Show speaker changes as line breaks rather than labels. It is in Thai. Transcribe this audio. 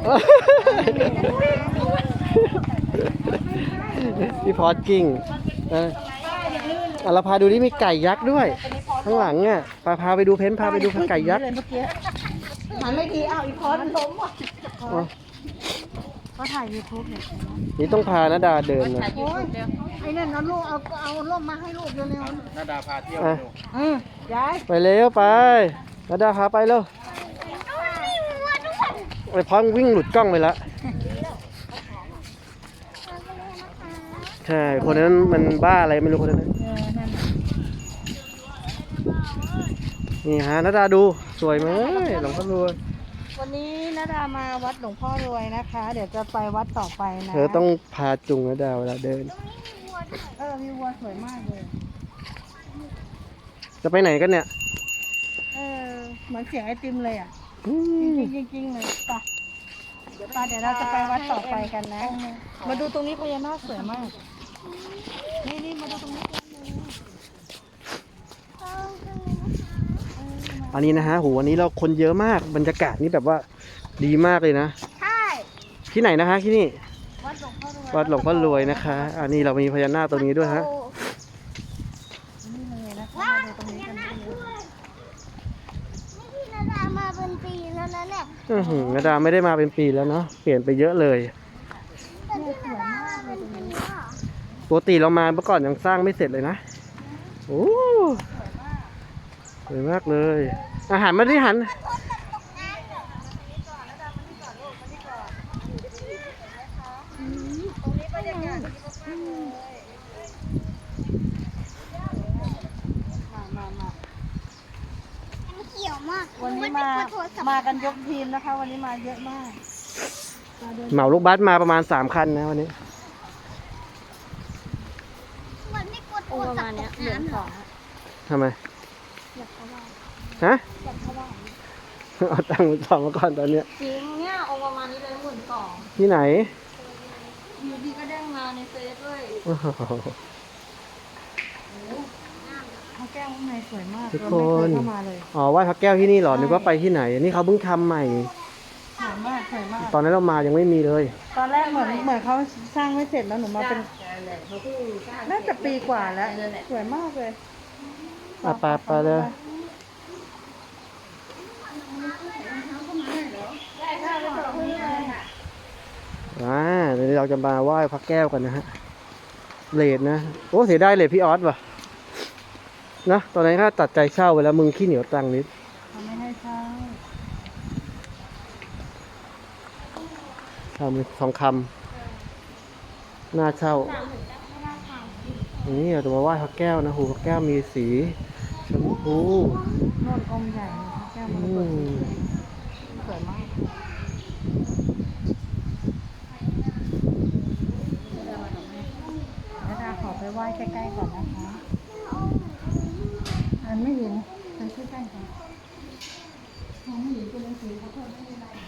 พี่พอดกิ้งเราพาดูนี่มีไก่ยักษ์ด้วยข้างหลังอ่ะพาไปดูพาไปดูไก่ยักษ์
มันไม่ดีอีพอมันล้มว่ะก็ถ่ายยูทูบเนี่ย
นี่ต้องพาณดาเดินนะ
ไอ้นั่นเอาลูกเอาร่มมาให้ลูกเร็ว
ๆณดาพาเที่ยว
ย้าย
ไปเร็วไปณดาพาไปเร็วไอ้พองวิ่งหลุดกล้องไปแล้วใช่คนนั้นมันบ้าอะไรไม่รู้คนนั้นนี่ฮะณดาดูสวยไหมหลวงพ่อรวย
วันนี้ณดามาวัดหลวงพ่อรวยนะคะเดี๋ยวจะไปวัดต่อไปนะ
เธอต้องพาจุงณดาเวลาเดิน
มีวัวสวยมากเลย
จะไปไหนกันเนี่ย
เหมือนเสียงไอติมเลยอ่ะจริงเลยป่ะเดี๋ยวเราจะไปวัดต่อไปกันนะมาดูตรงนี้พญานาคสวยมากนี่มาดูตรงนี้
อันนี้นะฮะโหวันนี้เราคนเยอะมากบรรยากาศนี่แบบว่าดีมากเลยนะ
ใช่
ที่ไหนนะคะที่นี่
วัดหลวงพ่อรวย
วัดหลวงพ่อรวยนะคะอันนี้เรามีพญานาคตรงนี้ด้วยฮะ
นี่เลยนะคะมาตรงนี้กัน
นี่นาดามาเป็นปีแล้วนะเนี่ย
นาดาไม่ได้มาเป็นปีแล้วเนาะเปลี่ยนไปเยอะเลย
แต่ที่นาดามาเป็นปีอ่ะ
ปกติเรามาเมื่อก่อนยังสร้างไม่เสร็จเลยนะโอ้สวยมากเลยอาหารมาที่หัน
เขียวมาก
วันนี้มากันยกทีมนะคะวันนี้มาเยอะมาก
เหมาลูกบัสมาประมาณ3 คันนะวันนี้
มันไม่กลัวโทรศัพท์ตกน้ำ
ทำไมฮะเอาตังค์2มาก่อนตอนเนี้ย
จริงเนี่ยองค์ประมาณนี้เลย12,000
ที่ไหน
อยู่ดีก็เด้งมาในเฟซเลยพระแก้วข้างในสวยมาก
ทุกคนไหว้พระแก้วที่นี่หรอนึกว่าไปที่ไหนนี่เขาเพิ่งทำใหม่
สวยมาก
ตอนนั้นเรามายังไม่มีเลย
ตอนแรกเหมือนเขาสร้างไม่เสร็จแล้วหนูมาเป็นน่าจะปีกว่าแล้วสวยมากเลย
ไปเลยเดี๋ยวเราจะมาไหว้พระแก้วกันนะฮะเลดนะโอ้เสียดายเลดพี่ออสว่ะนะตอนนั้นข้าตัดใจเช่าไปแล้วมึงขี้เหนียวตังนิด
ไม่ให้เช่า
ทองคำหน้าเช่านี่เราจะมาไหว้พระแก้วนะหูพระแก้วมีสีชมพู
โน่นองค์ใหญ่พระแก้วมันสวยมากขอไปไหว้ใกล้ๆก่อนนะคะอันไม่เห็นไปใกล้ๆก่อนไม่เห็นตัวหนังสือเขาเพิ่มไม่เป็นไร